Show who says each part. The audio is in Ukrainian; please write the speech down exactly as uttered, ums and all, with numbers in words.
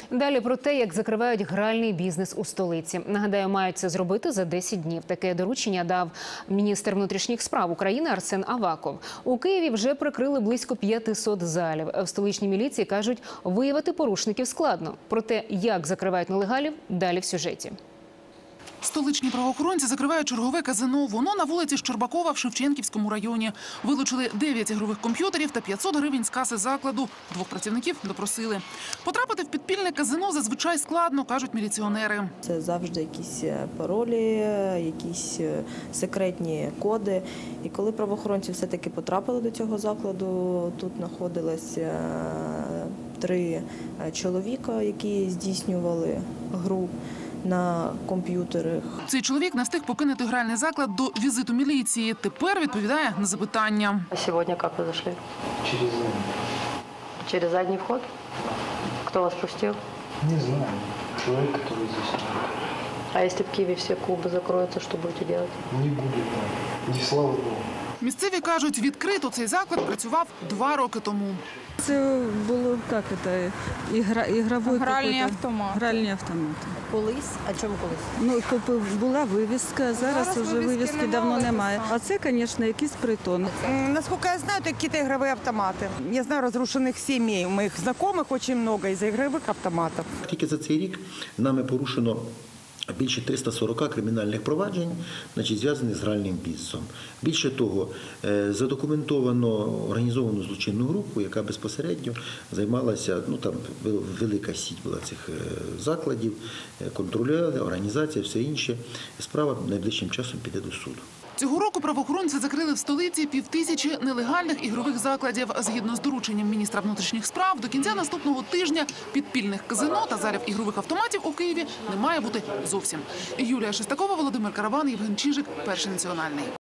Speaker 1: Далі про те, як закривають гральний бізнес у столиці. Нагадаю, мають це зробити за десять днів. Таке доручення дав міністр внутрішніх справ України Арсен Аваков. У Києві вже прикрили близько п'ятисот залів. В столичній міліції кажуть, виявити порушників складно. Про те, як закривають нелегалів, далі в сюжеті.
Speaker 2: Столичні правоохоронці закривають чергове казино. Воно на вулиці Щербакова в Шевченківському районі. Вилучили дев'ять ігрових комп'ютерів та п'ятсот гривень з каси закладу. Двох працівників допросили. Потрапити в підпільне казино зазвичай складно, кажуть міліціонери.
Speaker 3: Це завжди якісь паролі, якісь секретні коди. І коли правоохоронці все-таки потрапили до цього закладу, тут знаходилося три чоловіка, які здійснювали гру на комп'ютерах.
Speaker 2: Цей чоловік не встиг покинути гральний заклад до візиту міліції. Тепер відповідає на запитання.
Speaker 4: А сьогодні як ви зайшли?
Speaker 5: Через задний.
Speaker 4: Через задній вход? Хто вас пустив?
Speaker 5: Не знаю. Человек, который здесь.
Speaker 4: А если в Киеве все клубы закроются, что будете делать?
Speaker 5: Не будет так. Не слава Богу.
Speaker 2: Місцеві кажуть, відкрито цей заклад працював два роки тому.
Speaker 6: Це було, як це, ігра, ігровий
Speaker 7: гральний автомат.
Speaker 6: Гральні автомати.
Speaker 3: Колись? А чому колись?
Speaker 6: Ну, тобто була вивіска, зараз,
Speaker 7: Зараз
Speaker 6: вже
Speaker 7: вивіски
Speaker 6: вивіски
Speaker 7: немає,
Speaker 6: давно
Speaker 7: це
Speaker 6: немає.
Speaker 7: сам.
Speaker 6: А це, звісно, якийсь притон.
Speaker 7: Насколько я знаю, это какие-то игровые автоматы. Я знаю разрушенных семей. У моих знакомых очень много из-за игровых автоматов.
Speaker 8: Тільки за цей рік нами порушено більше триста сорок кримінальних проваджень, значить, зв'язаних з гральним бізнесом. Більше того, задокументовано організовану злочинну групу, яка безпосередньо займалася, ну там велика сіть була цих закладів, контролювали, організація, все інше. Справа найближчим часом піде до суду.
Speaker 2: Цього року правоохоронці закрили в столиці півтисячі нелегальних ігрових закладів. Згідно з дорученням міністра внутрішніх справ, до кінця наступного тижня підпільних казино та залів ігрових автоматів у Києві не має бути зовсім. Юлія Шестакова, Володимир Карабан, Євген Чижик, Перший національний.